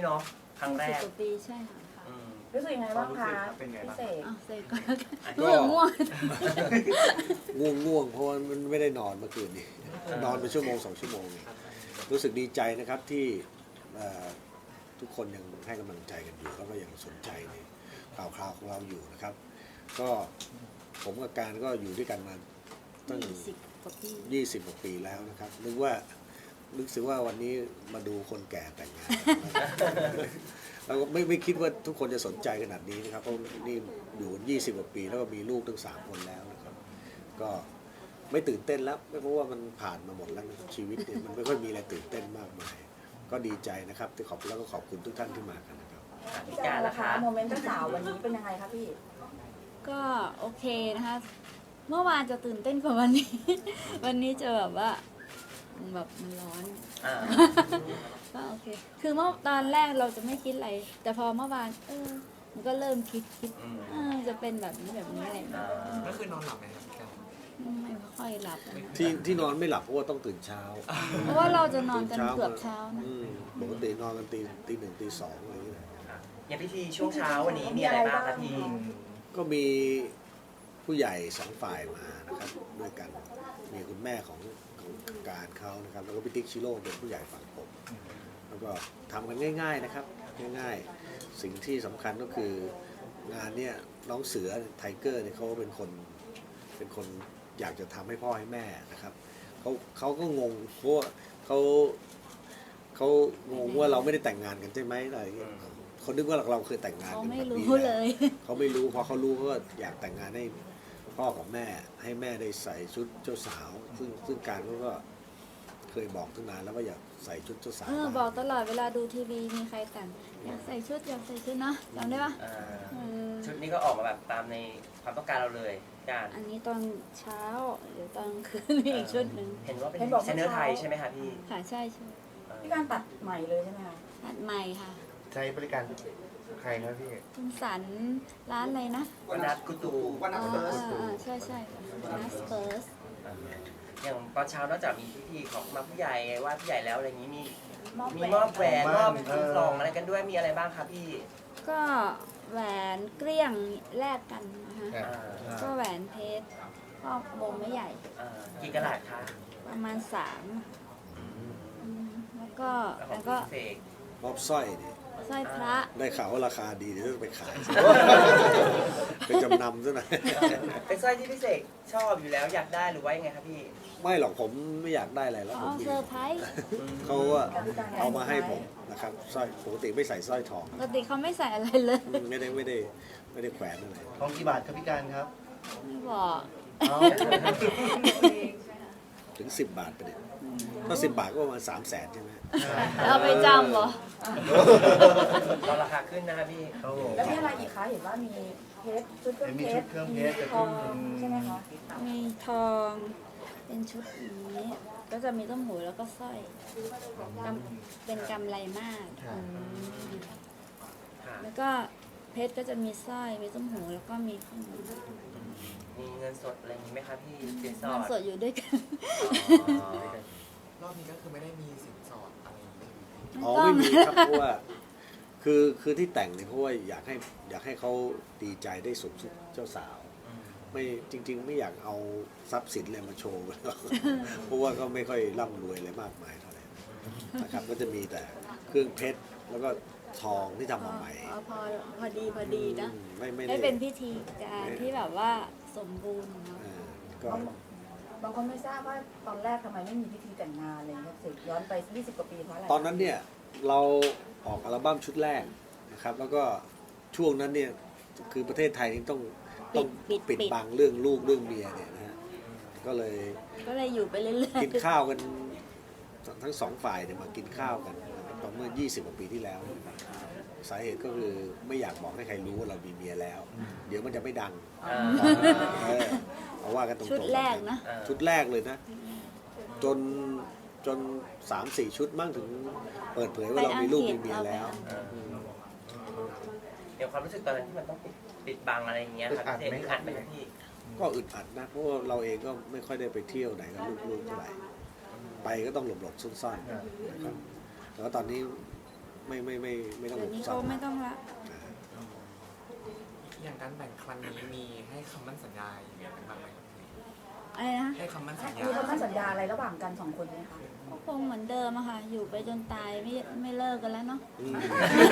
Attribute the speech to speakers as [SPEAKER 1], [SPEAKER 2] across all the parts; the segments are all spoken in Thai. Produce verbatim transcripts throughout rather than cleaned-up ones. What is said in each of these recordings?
[SPEAKER 1] เนาะครั้งแรก
[SPEAKER 2] สิบกว่าปีใช่ค่ะ
[SPEAKER 3] รู้สึกยังไงบ้างคะพี่เสก
[SPEAKER 2] อ้าวเสกก็แล้วกันง่วงง่วง
[SPEAKER 4] ง่วงง่วงเพราะว่ามันไม่ได้นอนเมื่อคืนนี้นอนไปชั่วโมงสองชั่วโมงรู้สึกดีใจนะครับที่ทุกคนยังให้กำลังใจกันอยู่แล้วก็ยังสนใจในข่าวคราวของเราอยู่นะครับก็ผมกับการก็อยู่ด้วยกันมาตั้งยี่สิบกว่าปีแล้วนะครับนึกว่านึกถึงว่าวันนี้มาดูคนแก่แต่งงานเราก็ไม่ไม่คิดว่าทุกคนจะสนใจขนาดนี้นะครับเพราะนี่อยู่ยี่สิบกว่าปีแล้วก็มีลูกตั้งสามคนแล้วนะครับก็ไม่ตื่นเต้นแล้วไม่เพราะว่ามันผ่านมาหมดแล้วชีวิตเนี่ยมันไม่ค่อยมีอะไรตื่นเต้นมากมายก็ดีใจนะครับที่ขอบแล้วก็ขอบคุณทุกท่านที่มากันนะครับ
[SPEAKER 3] พี่การล่ะคะโมเมนต์เจ้าสาววันนี้เป็นยังไงคะพี่
[SPEAKER 2] ก็โอเคนะคะเมื่อวานจะตื่นเต้นกว่าวันนี้ วันนี้จะแบบว่าแบบมันร้อนก็โอเคคือเมื่อตอนแรกเราจะไม่คิดอะไรแต่พอเมื่อวานเออมันก็เริ่มคิดคิดจะเป็นแบบนี้แบบนี้อะไรแบบนี้
[SPEAKER 5] ก็คือนอนหลับไหมครับพี่การ
[SPEAKER 2] ไม่ค่อยหลับ
[SPEAKER 4] ที่ที่นอนไม่หลับเพราะว่าต้องตื่นเช้า
[SPEAKER 2] เพราะว่าเราจะนอนกันเกือบเช้านะ
[SPEAKER 4] ปกตินอนกันตีตีหนึ่งตีสองอะไรอย่างเงี้ย
[SPEAKER 1] อย่างพิธีช่วงเช้าวันนี้มีอะไรบ้างครับพี่
[SPEAKER 4] ก็มีผู้ใหญ่สองฝ่ายมานะครับด้วยกันมีคุณแม่ของของการเขานะครับแล้วก็พี่ติ๊กชิโร่เป็นผู้ใหญ่ฝั่งผมแล้วก็ทำกันง่ายๆนะครับง่ายๆสิ่งที่สำคัญก็คืองานเนี้ยน้องเสือไทเกอร์เนี่ยเขาเป็นคนเป็นคนอยากจะทำให้พ่อให้แม่นะครับเขาเขาก็งงเพราะว่าเขาเขางงว่าเราไม่ได้แต่งงานกันใช่ไหมอะไรอย่างเงี้ยเขาคิดว่าเราเคยแต่งงานกันแบบนี้เลยเขาไม่รู้พอเขารู้เขาก็อยากแต่งงานให้พ่อกับแม่ให้แม่ได้ใส่ชุดเจ้าสาวซึ่งซึ่งการเขาก็เคยบอกตั้งนานแล้วว่าอยากใส่ชุดเจ้าสาว
[SPEAKER 2] เออบอกตลอดเวลาดูทีวีมีใครแต่งอยากใส่ชุดอยากใส่ชุดนะจำได้ปะ
[SPEAKER 1] ชุดนี้ก็ออกมาแบบตามในความต้องการเราเลยการ
[SPEAKER 2] อันนี้ตอนเช้าเดี๋ยวตอนคืนมีอีกชุดหนึ่ง
[SPEAKER 1] เห็นว่าเป็นเซนเนอร์ไทยใช่ไหมคะพี่
[SPEAKER 2] ค่ะใช่ใช่
[SPEAKER 3] พี่การตัดใหม่เลยใช่ไหมคะ
[SPEAKER 2] ตัดใหม่ค่ะ
[SPEAKER 5] ใช้บริการใครครับพี่
[SPEAKER 2] คุณสันร้านอะไรนะ
[SPEAKER 1] วันนัดกุตู
[SPEAKER 5] วันนัดเฟิร์ส
[SPEAKER 2] ใช่ใช่วันนัดเฟิร์ส
[SPEAKER 1] อย่างตอนเช้านอกจากมีพิธีของมาผู้ใหญ่ว่าผู้ใหญ่แล้วอะไรอย่างนี้มีมีมอบแหวนมอบกล่องอะไรกันด้วยมีอะไรบ้างครับพี่
[SPEAKER 2] ก็แหวนเกลี้ยงแลกกันนะคะก็แหวนเพชรก็วงไม่ใหญ่
[SPEAKER 1] กี่กะลัดคะ
[SPEAKER 2] ประมาณสามแล้วก็แล้วก็
[SPEAKER 4] มอบสร้อยนี่
[SPEAKER 2] สร้อยพระ
[SPEAKER 4] ได้ข่าวว่าราคาดีเดี๋ยวจะไปขายเป็นจำนำซะหน่อย
[SPEAKER 1] เป็นสร้อยที่พี่เสกชอบอยู่แล้วอยากได้หรือว่ายังไงครับพี่
[SPEAKER 4] ไม่หรอกผมไม่อยากได้อะไรแล้วผม
[SPEAKER 2] เซอร์ไพรส์
[SPEAKER 4] เขาเอามาให้ผมนะครับสร้อยปกติไม่ใส่สร้อยทอง
[SPEAKER 2] ปกติเขาไม่ใส่อะไรเลย
[SPEAKER 4] ไม่ได้ไม่ได้ไม่ได้แขวนอะไร
[SPEAKER 5] ทองกี่บาทครับพี่การครับ
[SPEAKER 2] ไม่บอก
[SPEAKER 4] ถึงสิบบาทไปเนี่ยถ้าสิบบาทก็ประมาณสามแสนใช่ไหม
[SPEAKER 2] เราไปจำเหรอ
[SPEAKER 1] ตอนราคาขึ้นนะครับพี่
[SPEAKER 3] แล้วมีอะไรอีกคะเห็นว่ามีเพชรชุดเครื่องเพชรมีทองใช่ไหมคะ
[SPEAKER 2] มีทองเป็นชุดนี้ก็จะมีต้มหูแล้วก็สร้อยเป็นกำไรมากแล้วก็เพชรก็จะมีสร้อยมีต้มหูแล้วก็มี
[SPEAKER 1] มีเงินสดอะไรอย่างนี้ไหมครับพี่
[SPEAKER 2] เงินสดอยู่ด้วยกัน
[SPEAKER 5] รอบนี้ก็คือไม่ได้มีสินสอดอะไร
[SPEAKER 4] อ๋อไม่มีครับเพราะว่าคือคือที่แต่งเนี่ยเพราะว่าอยากให้อยากให้เขาดีใจได้สมชุดเจ้าสาวไม่จริงๆไม่อยากเอาทรัพย์สินอะไรมาโชว์เพราะว่าก็ไม่ค่อยร่ำรวยอะไรมากมายเท่าไหร่นะครับก็จะมีแต่เครื่องเพชรแล้วก็ทองที่ทำมาใหม่
[SPEAKER 2] พอพอดีพอดีนะไม่เป็นพิธีการที่แบบว่าสมบูรณ์เนาะ
[SPEAKER 3] บางคนไม่ทราบว่าตอนแรกทำไมไม่มีพิธีแต่งงานเลยครับเสกย้อนไปยี่สิบกว่าปีเพราะอะไร
[SPEAKER 4] ตอนนั้นเนี่ยเราออกอัลบั้มชุดแรกนะครับแล้วก็ช่วงนั้นเนี่ยคือประเทศไทยต้องต้องปิดบังเรื่องลูกเรื่องเมียเนี่ยนะฮะก็เลย
[SPEAKER 2] ก็เลยอยู่ไปเรื่อย
[SPEAKER 4] ๆกินข้าวกันทั้งสองฝ่ายเนี่ยมากินข้าวกันตอนเมื่อยี่สิบกว่าปีที่แล้วสาเหตุก็คือไม่อยากบอกให้ใครรู้ว่าเรามีเมียแล้วเดี๋ยวมันจะไม่ดังเอาว่ากันตรงๆ
[SPEAKER 2] ชุดแรกนะ
[SPEAKER 4] ชุดแรกเลยนะจนจนสามสี่ชุดมั่งถึงเปิดเผยว่าเรามีลูกมีเมียแล้ว
[SPEAKER 1] เดี๋ยวความรู้สึกตอนนั้นที่มันต้องปิดปิดบังอะไรอย่างเงี้ยครับเสกอึดอัดไหมพี่
[SPEAKER 4] ก็อึดอัดนะเพราะว่าเราเองก็ไม่ค่อยได้ไปเที่ยวไหนกับลูกๆเท่าไหร่ไปก็ต้องหลบๆซ่อนๆนะครับแต่ว่าตอนนี้ไม่ไม่ไม่ไม่ต้อง
[SPEAKER 2] เดี๋ยวนี้
[SPEAKER 4] ซ่
[SPEAKER 2] เขา
[SPEAKER 4] อน
[SPEAKER 2] ไม่ต้องละ
[SPEAKER 5] อย่างการแบ่งครั้งนี้มีให้คำมั่นสัญญาอย่างเงี้ยเป็นบ้างไหมครับ
[SPEAKER 2] อะไรนะ
[SPEAKER 5] ให้คำมั่นสัญญา
[SPEAKER 3] มีคำมั่นสัญญาอะไรระหว่างกันสองคนไหมคะ
[SPEAKER 2] ก็คงเหมือนเดิมอะค่ะ อยู่ไปจนตายไม่ไม่เลิกกันแล้วเนาะ
[SPEAKER 4] อืม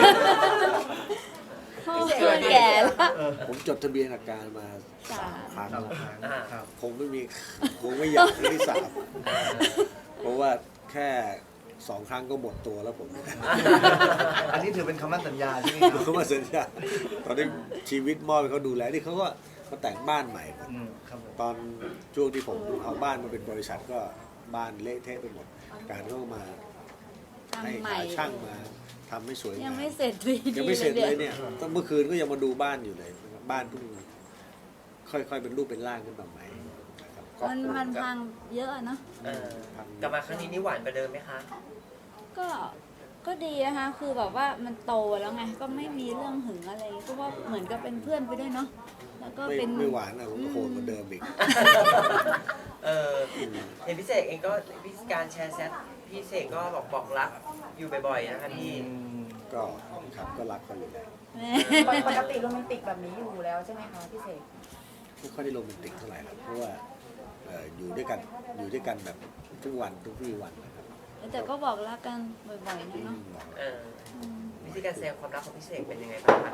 [SPEAKER 2] พ่อเพื่อนแก่แล้ว
[SPEAKER 4] ผมจดทะเบียนอาการมา
[SPEAKER 2] สา
[SPEAKER 4] สาม
[SPEAKER 2] ม
[SPEAKER 4] ครั้งแล้ว
[SPEAKER 1] อ่า
[SPEAKER 5] ครับ
[SPEAKER 4] คงไม่มีคงไม่อยากครั้งที่สามเพราะว่าแค่สองครั้งก็หมดตัวแล้วผม
[SPEAKER 5] อันนี้ถือเป็นคำมั่นสัญญาใช่ไหมครับ
[SPEAKER 4] เขามาสัญญาตอนนี้ชีวิตมอบให้เขาดูแลที่เขาก็มาแต่งบ้านใหม่หมด
[SPEAKER 5] อืมครับผม
[SPEAKER 4] ตอนช่วงที่ผมเอาบ้านมาเป็นบริษัทก็บ้านเละเทะไปหมด การเข้ามาให้
[SPEAKER 2] ทำใหม่
[SPEAKER 4] หาช่างมาทำให้สวย
[SPEAKER 2] ยัง
[SPEAKER 4] งาม
[SPEAKER 2] ไม่เสร็จดี
[SPEAKER 4] ยังไม่เสร็จเลย
[SPEAKER 2] นี่
[SPEAKER 4] เนี่ยต้องเมื่อคืนก็ยังมาดูบ้านอยู่เลยนะครับบ้านเพิ่งค่อยๆเป็นรูปเป็นร่างขึ้นมาใหม่นะครับ
[SPEAKER 2] มันมันพังเยอะอะเนาะ
[SPEAKER 1] เออกลับมาครั้งนี้นี่หวานกว่าเดิมไหมคะ
[SPEAKER 2] ก็ก็ดีนะคะ คือแบบว่ามันโตแล้วไง ก็ไม่มีเรื่องหึงอะไรก็ว่าเหมือนกับเป็นเพื่อนไปด้วยเนาะ แล้วก็
[SPEAKER 4] ไม่
[SPEAKER 2] เป็น
[SPEAKER 4] ไม่หวานอ่ะโหดกว่าเดิมอีก
[SPEAKER 1] เออเห็นพี่เสกเองก็พี่การแชร์แซดพี่เสกก็บอกบอกรักอยู่บ่อยๆนะคะพี่
[SPEAKER 4] ก็ครับก็รักเขาอยู่แล้ว
[SPEAKER 3] ปกติโรแมนติกแบบนี้อยู่แล้วใช่ไหมคะพี่เสก
[SPEAKER 4] ไม่ค่อยได้โรแมนติกเท่าไหร่หรอกเพราะว่าเอ่ออยู่ด้วยกันอยู่ด้วยกันแบบทุกวันทุกวี่วันนะครับ
[SPEAKER 2] แต่ก็บอกรักกันบ่อยๆนะ
[SPEAKER 4] อื
[SPEAKER 2] เนาะ
[SPEAKER 4] มบอก
[SPEAKER 1] เออ
[SPEAKER 2] อืม
[SPEAKER 1] วิธีการแสดงความรักของพี่เสกเป็นยังไงบ้างคะ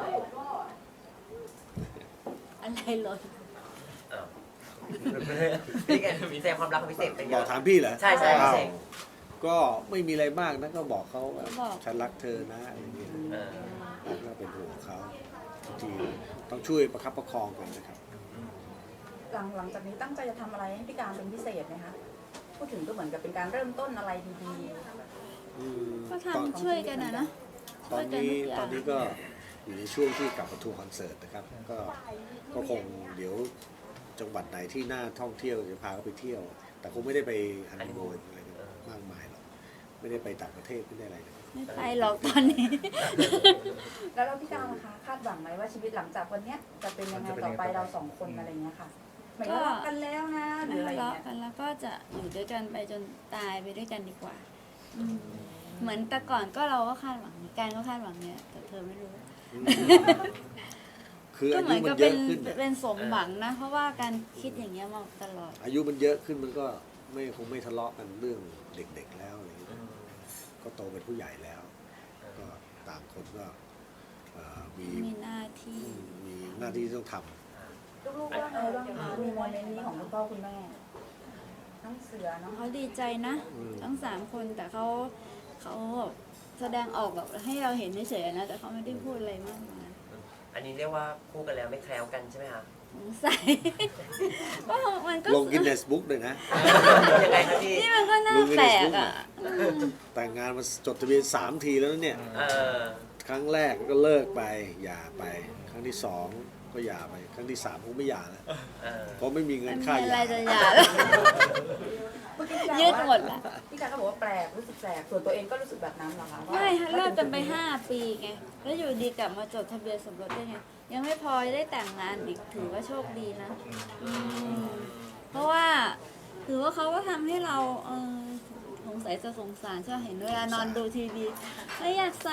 [SPEAKER 2] อะไรหล่น
[SPEAKER 1] อ้าววิธีการแสดงความรักของพี่เสกเป็นยัง
[SPEAKER 4] บ
[SPEAKER 1] ไง
[SPEAKER 4] อกถามพี่เหรอ
[SPEAKER 1] ใช่ใช่พี่เสก
[SPEAKER 4] อ้าวก็ไม่มีอะไรมากนะก็บอกเขาว่าฉันรักเธอนะอะไรอย่างเงี้ย
[SPEAKER 1] เออ
[SPEAKER 4] แล้วก็เป็นห่วงเขาบางทีต้องช่วยประคับประคองกันนะครับ
[SPEAKER 3] หลังหลังจากนี้ตั้งใจจะทำอะไรให้พี่การเป็นพิเศษไหมคะพูดถึงก็เหมือนกับเป็นการเริ่มต้นอะไรดี
[SPEAKER 4] อืม
[SPEAKER 2] ก็
[SPEAKER 4] ตอน
[SPEAKER 2] ทำช่วยกันนะนะ
[SPEAKER 4] ตอนนี้ตอนนี้ก็อยู่ในช่วงที่กลับมาทัวร์คอนเสิร์ตนะครับ ก็ก็คงเดี๋ยวจังหวัดไหนที่น่าท่องเที่ยวจะพาเขาไปเที่ยว แต่คงไม่ได้ไปฮันนีมูนอะไรกันมากมายหรอกไม่ได้ไปต่างประเทศไม่ได้อะไรนะ
[SPEAKER 2] ไม่ไปหรอกตอนนี้
[SPEAKER 3] ๆ แล้วเราพี่การนะคะคาดหวังไหมว่าชีวิตหลังจากวันเนี้ยจะเป็นยังไงต่อไปเราสองคนอะไรเงี้ยค่ะหมายถึงว่ารักกันแล้วนะหรือ
[SPEAKER 2] ไม่
[SPEAKER 3] อะไร
[SPEAKER 2] ทะเลาะ
[SPEAKER 3] เงี้ย
[SPEAKER 2] กันแล้วก็จะอยู่ด้วยกันไปจนตายไปด้วยกันดีกว่าอืมเหมือนแต่ก่อนก็เราก็คาดหวังการก็คาดหวังเนี่ยแต่เธอไม่รู้
[SPEAKER 4] อืมคือ
[SPEAKER 2] ก็
[SPEAKER 4] อา
[SPEAKER 2] เหมื
[SPEAKER 4] ยุ
[SPEAKER 2] อน
[SPEAKER 4] มัน
[SPEAKER 2] กับ
[SPEAKER 4] เย
[SPEAKER 2] เป็น
[SPEAKER 4] อะขึ้นน่ะ
[SPEAKER 2] เป็นสมหวังนะ เพราะว่าการคิดอย่างเงี้ยมาตลอด
[SPEAKER 4] อายุมันเยอะขึ้นมันก็ไม่คงไม่ทะเลาะกันเรื่องเด็กๆแล้วอะไรอย่างเงี้ยก็โตเป็นผู้ใหญ่แล้ว ก็ต่างคนก็เอ่อมี
[SPEAKER 2] มีหน้าที่
[SPEAKER 4] มีหน้าที่ต้องท
[SPEAKER 3] ลูกๆว่าไงบ้างคะมีโมเมนต์นี้ของคุณพ่อคุณแม่น้องเสือน้อง
[SPEAKER 2] เขาดีใจนะ
[SPEAKER 4] ำอืม
[SPEAKER 2] ทั้งสามคนแต่เขาเขาแบบแสดงออกแบบให้เราเห็นเฉยๆนะแต่เขาไม่ได้พูดอะไรมากมาย
[SPEAKER 1] อันนี้เรียกว่าคู่กันแล้วไม่แคล้วกันใช่ไหมคะ
[SPEAKER 2] สงสัย ก็มันก็
[SPEAKER 4] ลงกินเนสบุ๊กเลยนะ
[SPEAKER 1] ยังไงครับพี่
[SPEAKER 2] นี่มันก็น่าแปลกอ่ะอืม
[SPEAKER 4] แต่งงานมาจดทะเบียนสามทีแล้วนะเนี่ย
[SPEAKER 1] เออ
[SPEAKER 4] ครั้งแรกก็เลิกไปหย่าไป ครั้งที่สองก็หย่าไป ครั้งที่สามคงไม่หย่าแล้ว
[SPEAKER 1] เออ
[SPEAKER 4] เพราะไม่มีเงิ
[SPEAKER 2] มัน
[SPEAKER 4] น
[SPEAKER 2] มี
[SPEAKER 4] ค่าห
[SPEAKER 2] อะไร
[SPEAKER 4] ย่า
[SPEAKER 2] จะหย่าแล้ว
[SPEAKER 3] เมื่อกี้พี่การ
[SPEAKER 2] ยืด
[SPEAKER 3] บอก
[SPEAKER 2] หม
[SPEAKER 3] ว่า
[SPEAKER 2] ดละ
[SPEAKER 3] พี่การก็บอกว่าแปลกรู้สึกแปลกส่วนตัวเองก็รู้สึกแบบนั้นเหรอคะว่า
[SPEAKER 2] ไม่ฮะเลิกกันไปห้าปีไง แล้วอยู่ดีกลับมาจดทะเบียนสมรสได้ไง ยังไม่พอได้แต่งงานอีกถือว่าโชคดีนะอืมเพราะว่าถือว่าเขาก็ทำให้เราเออสงสัยจะสงสารชอบเห็นเวลานอนดูทีวีไม่อยากใส่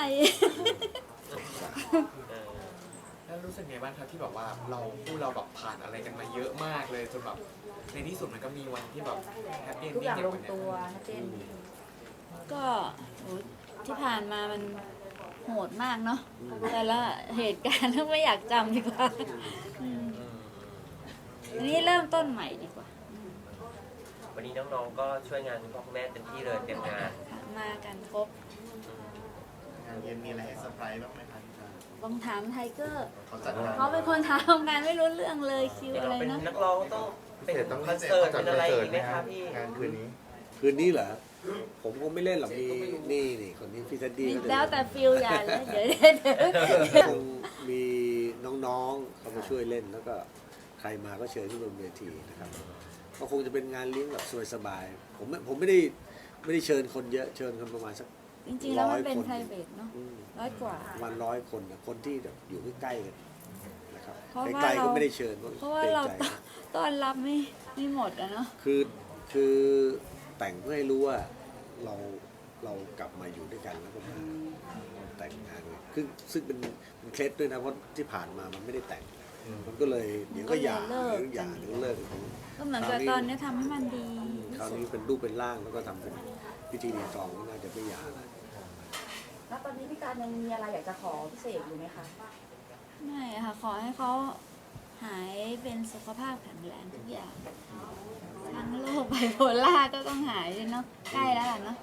[SPEAKER 1] เออ
[SPEAKER 5] แล้วรู้สึกไงบ้างครับที่แบบว่าเราคู่เราแบบผ่านอะไรกันมาเยอะมากเลยจนแบบในที่สุดมันก็มีวันที่แบบแฮปปี้
[SPEAKER 3] ทุกอย่างลง
[SPEAKER 5] เนี้
[SPEAKER 3] ตัวชัดเจน
[SPEAKER 2] ก็โหที่ผ่านมามันโหดมากเนาะแต่ละเหตุการณ์ไม่อยากจำดีกว่าอืมอันนี้เริ่มต้นใหม่ดีกว่า
[SPEAKER 1] วันนี้น้องๆก็ช่วยงานคุณพ่อคุณแม่เต็มที่เลยเต็มงาน
[SPEAKER 2] ค่ะมากันครบ
[SPEAKER 5] งานเย็นมีอะไรให้เซอร์ไพรส์บ้างไหมครับ
[SPEAKER 2] ลองถามไทเกอร์
[SPEAKER 5] เขาจัดงาน
[SPEAKER 2] เขาเป็นคนทำงานไม่รู้เรื่องเลยคิว
[SPEAKER 1] เดี๋ยว
[SPEAKER 2] อะไร
[SPEAKER 1] เราเป็น
[SPEAKER 2] นะ
[SPEAKER 1] นักร้องต้องเป็นคอนเสิร์ตเป็นอะไรอีกไหมครับพี่
[SPEAKER 5] งานคืนนี้
[SPEAKER 4] คืนนี้เหรอ ผมคงไม่เล่นหรอกมีนี่นี่คนนี้พี่ทัดดี้ก็จะ
[SPEAKER 2] แล้วแต่ฟิลอย่าเลยเดี๋ยวเดี๋ยวเดี๋ยว
[SPEAKER 4] คงมีน้องๆเขามาช่วยเล่นแล้วก็ใครมาก็เชิญที่บนเวทีนะครับ ก็คงจะเป็นงานเลี้ยงแบบสบายๆผมไม่ผมไม่ได้ไม่ได้เชิญคนเยอะเชิญคนประมาณสัก
[SPEAKER 2] จริงๆแล้วมันเป็น
[SPEAKER 4] ร้อยคน
[SPEAKER 2] ไพรเวทเนาะ
[SPEAKER 4] อืม
[SPEAKER 2] ร้อยกว่า
[SPEAKER 4] ประมาณร้อยคนนะคนที่แบบอยู่ใกล้ๆกันนะครับ
[SPEAKER 2] เพราะว่า
[SPEAKER 4] ใกล้ๆ
[SPEAKER 2] เรา
[SPEAKER 4] ก็ไม่ได้เชิญ
[SPEAKER 2] เพราะว่าเรา
[SPEAKER 4] กงใจ
[SPEAKER 2] ต้อนรับไม่ไม่หมดอะเนาะ
[SPEAKER 4] คือคือแต่งเพื่อให้รู้ว่าเราเรากลับมาอยู่ด้วยกันแล้วก็มาแต่แต่งงานเลยซึ่งซึ่งเป็นเป็นเคล็ดด้วยนะเพราะที่ผ่านมามันไม่ได้แต่ง มันก็เลยเดี๋ยวก็หย่า
[SPEAKER 2] ก็เลยเลิก
[SPEAKER 4] เดี๋ยวหย่าเดี๋ยวเลิก
[SPEAKER 2] ก็เหมือนกับตอนนี้ทำให้มันดี
[SPEAKER 4] คราวนี้เป็นรูปเป็นร่างแล้วก็ทำเป็นพิธีรีตองก็น่าจะไม่หย่าแล้ว
[SPEAKER 3] แล้วตอนนี้พี่การยังมีอะไรอยากจะขอพิเศษอยู่ไหมคะ
[SPEAKER 2] ไม่อะค่ะ ขอให้เขาหายเป็นสุขภาพแข็งแรงทุกอย่าง ทั้งโรคไบโพล่าก็ต้องหายเลยเนาะ ใกล้แล้วล่ะเนาะ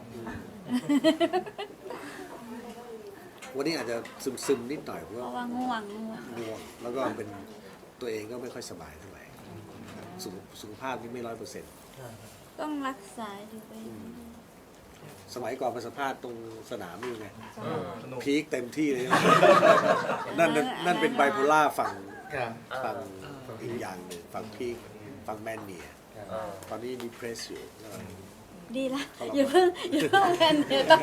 [SPEAKER 4] วันนี้อาจจะซึมๆนิดหน่อยเพราะ
[SPEAKER 2] เพ
[SPEAKER 4] ว่า
[SPEAKER 2] ราะว่าง่วงง่วง
[SPEAKER 4] ง่วงแล้วก็เป็นตัวเองก็ไม่ค่อยสบายเท่าไหร่สุขสุขภาพนี่ไม่ร้อยเปอร์เซ็นต์
[SPEAKER 2] ต้องรักษาอยู่ไป
[SPEAKER 4] สมัยก่อนไปสัมภาษณ์ตรงสนามนี่ไง
[SPEAKER 6] สนุก
[SPEAKER 4] พีคเต็มที่เลยนะนั่นนั่นนั่นเป็นไบโพล่าฝั่ง
[SPEAKER 6] ครับ
[SPEAKER 4] ฝั่งอีกอย่างหนึ่งฝั่งพีคฝั่งแมนเนีย
[SPEAKER 1] เออ
[SPEAKER 4] ตอนนี้ดีเพรสอยู่
[SPEAKER 2] ดีละอย่าเพิ่งอย่าเพิ่งแพนเดี๋ยวต้อง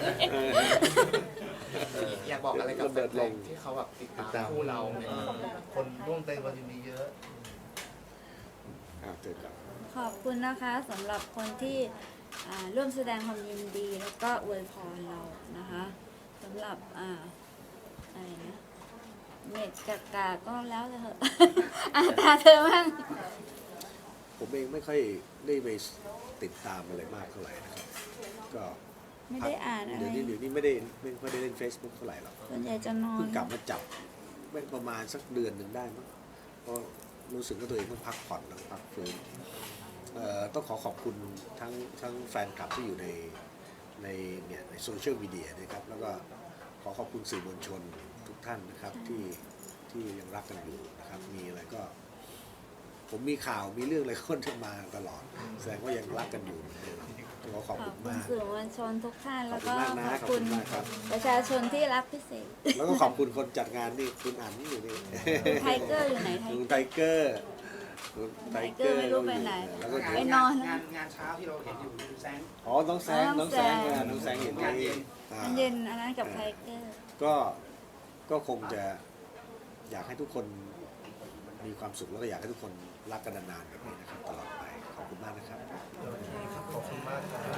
[SPEAKER 5] อยากบอกอะไรกับแฟนๆที่เขาแบบติดตามคู่เราเนี่ย
[SPEAKER 6] คนร่วมเต้นวันนี้เยอะ
[SPEAKER 4] อ่าเจอกัน
[SPEAKER 2] ขอบคุณนะคะสำหรับคนที่อ่าร่วมแสดงความยินดีแล้วก็อวยพรเรานะคะสำหรับอ่าอะไรนะเน็ตกากาก็แล้วแต่เถอะ อาตาเธอมั่ง
[SPEAKER 4] ผมเองไม่ค่อยได้ไปติดตามอะไรมากเท่าไหร่นะครับ ก็
[SPEAKER 2] ไม่ได้อ่านอะไร
[SPEAKER 4] เดี๋ยวนี้เดี๋ยวนี้ไม่ได้ไม่ค่อยได้เล่น Facebook เท่าไหร่หรอก
[SPEAKER 2] ส่วนใหญ่จะนอน
[SPEAKER 4] เพิ่งกลับมาจับไม่ประมาณสักเดือนหนึ่งได้มั้งเพราะรู้สึกว่าตัวเองต้องพักผ่อนต้องพักฟื้นเอ่อต้องขอขอบคุณทั้งทั้งแฟนคลับที่อยู่ในในเนี่ยในโซเชียลมีเดียนะครับแล้วก็ขอขอบคุณสื่อมวลชนทุกท่านนะครับที่ที่ยังรักกันอยู่นะครับมีอะไรก็ ผมมีข่าวมีเรื่องอะไรคนจะมาตลอดแสดงว่ายังรักกันอยู่เหมือนเดิมต้องขอขอบ
[SPEAKER 2] ขอ
[SPEAKER 4] คุ
[SPEAKER 2] บ
[SPEAKER 4] ณ
[SPEAKER 2] คุณ
[SPEAKER 4] มาก
[SPEAKER 2] สื่อมวลชนทุกท่าน
[SPEAKER 4] ขอ
[SPEAKER 2] แล้
[SPEAKER 4] บ
[SPEAKER 2] ว
[SPEAKER 4] คุ
[SPEAKER 2] ก็
[SPEAKER 4] ณมากนะ
[SPEAKER 2] ขอบ
[SPEAKER 4] ขอบ
[SPEAKER 2] คุ
[SPEAKER 4] คุณ ณมากครับ
[SPEAKER 2] ประชาชนที่รักพิเศษ
[SPEAKER 4] แล้วก็ขอบคุณคนจัดงานนี่คุณอันนี่อยู่นี่
[SPEAKER 2] ไทเกอร์อยู่ไหนไท
[SPEAKER 4] ลุง
[SPEAKER 2] เกอร์
[SPEAKER 4] ไทเกอร์ลุงไทเกอร์
[SPEAKER 2] ไม่รู้ไปไหน
[SPEAKER 4] แล้วก็
[SPEAKER 2] ไปนอนแล้ว
[SPEAKER 7] งานงานเช้าที่เราเห็นอยู่แซง
[SPEAKER 4] อ๋อน้องแซงน้องแซงอ่ะน้องแซงเห็นไหมอ่า
[SPEAKER 2] อันเย็นอันนั้นกับไทเกอร์
[SPEAKER 4] ก็ก็คงจะอยากให้ทุกคนมีความสุขแล้วก็อยากให้ทุกคนรักกันนานๆแบบนี้นะครับตลอดไปขอบคุณมากนะครับ
[SPEAKER 6] ขอบคุณมากครับ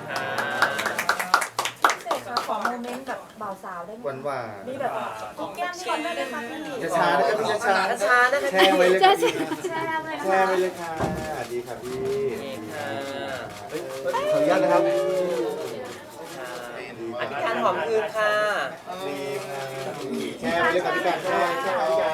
[SPEAKER 3] พิเศษคะขอโมเมนต์กับบ่าวสาวได้ไหม
[SPEAKER 6] หวานหวาน
[SPEAKER 3] มีแบบกุ๊กแก้มก่อนได้ไหมคะพี่
[SPEAKER 6] ๆจะช้านะครับพี่จะช้า
[SPEAKER 1] ช้านะคะ
[SPEAKER 6] แช่ไว้เลยครับพี่
[SPEAKER 3] แชร์เลยนะ
[SPEAKER 6] แช่
[SPEAKER 3] คะ
[SPEAKER 6] ไว้เลยค่ะดีครับพี่
[SPEAKER 1] ค่ะ
[SPEAKER 6] เฮ้ยขออนุญาตนะครับ
[SPEAKER 1] อธิการหอมคืนค่ะ
[SPEAKER 6] ดีค่ะแช่ไว้เลยครับพี่การแช่แช่ไว้พี่การ